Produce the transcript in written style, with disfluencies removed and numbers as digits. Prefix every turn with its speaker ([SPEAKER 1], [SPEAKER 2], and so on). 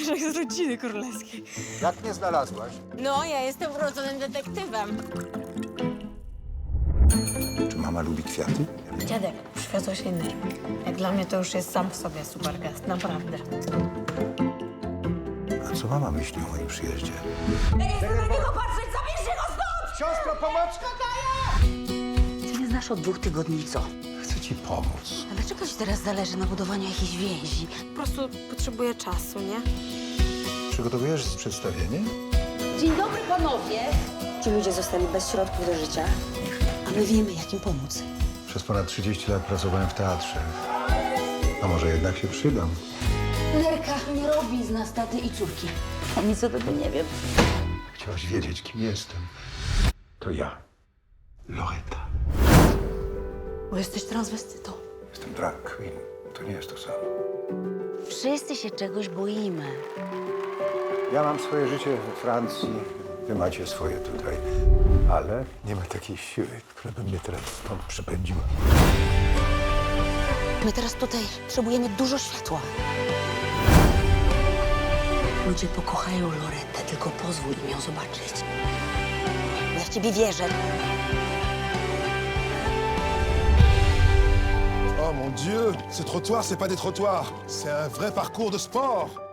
[SPEAKER 1] jak z rodziny królewskiej.
[SPEAKER 2] Jak mnie znalazłaś?
[SPEAKER 1] No, ja jestem urodzonym detektywem.
[SPEAKER 2] Czy mama lubi kwiaty?
[SPEAKER 1] Dziadek, przywiozłeś inny. Jak dla mnie to już jest sam w sobie super gest, naprawdę.
[SPEAKER 2] A co mama myśli o moim przyjeździe?
[SPEAKER 1] Ja nie chcę na niego patrzeć, zabierzcie go stąd!
[SPEAKER 2] Siostro, pomoc!
[SPEAKER 3] Ty nie znasz od 2 tygodni co?
[SPEAKER 2] Chcę ci pomóc.
[SPEAKER 3] A dlaczego ci teraz zależy na budowaniu jakiejś więzi?
[SPEAKER 1] Po prostu potrzebuję czasu, nie?
[SPEAKER 2] Przygotowujesz przedstawienie?
[SPEAKER 3] Dzień dobry panowie! Ci ludzie zostali bez środków do życia, a my wiemy, jak im pomóc.
[SPEAKER 2] Przez ponad 30 lat pracowałem w teatrze. A może jednak się przydam?
[SPEAKER 3] Nerka nie robi z nas taty i córki. A nic o tobie nie wiem.
[SPEAKER 2] Chciałaś wiedzieć, kim jestem. To ja. Loreta.
[SPEAKER 3] Bo jesteś transwestytą.
[SPEAKER 2] Jestem drag queen. To nie jest to samo.
[SPEAKER 3] Wszyscy się czegoś boimy.
[SPEAKER 2] Ja mam swoje życie we Francji, wy macie swoje tutaj. Ale nie ma takiej siły, która by mnie teraz stąd przepędziła.
[SPEAKER 3] My teraz tutaj potrzebujemy dużo światła. Ludzie pokochają Loretę, tylko pozwól im ją zobaczyć. Ja w ciebie wierzę.
[SPEAKER 4] Oh mon Dieu, ce trottoir, c'est pas des trottoirs, c'est un vrai parcours de sport.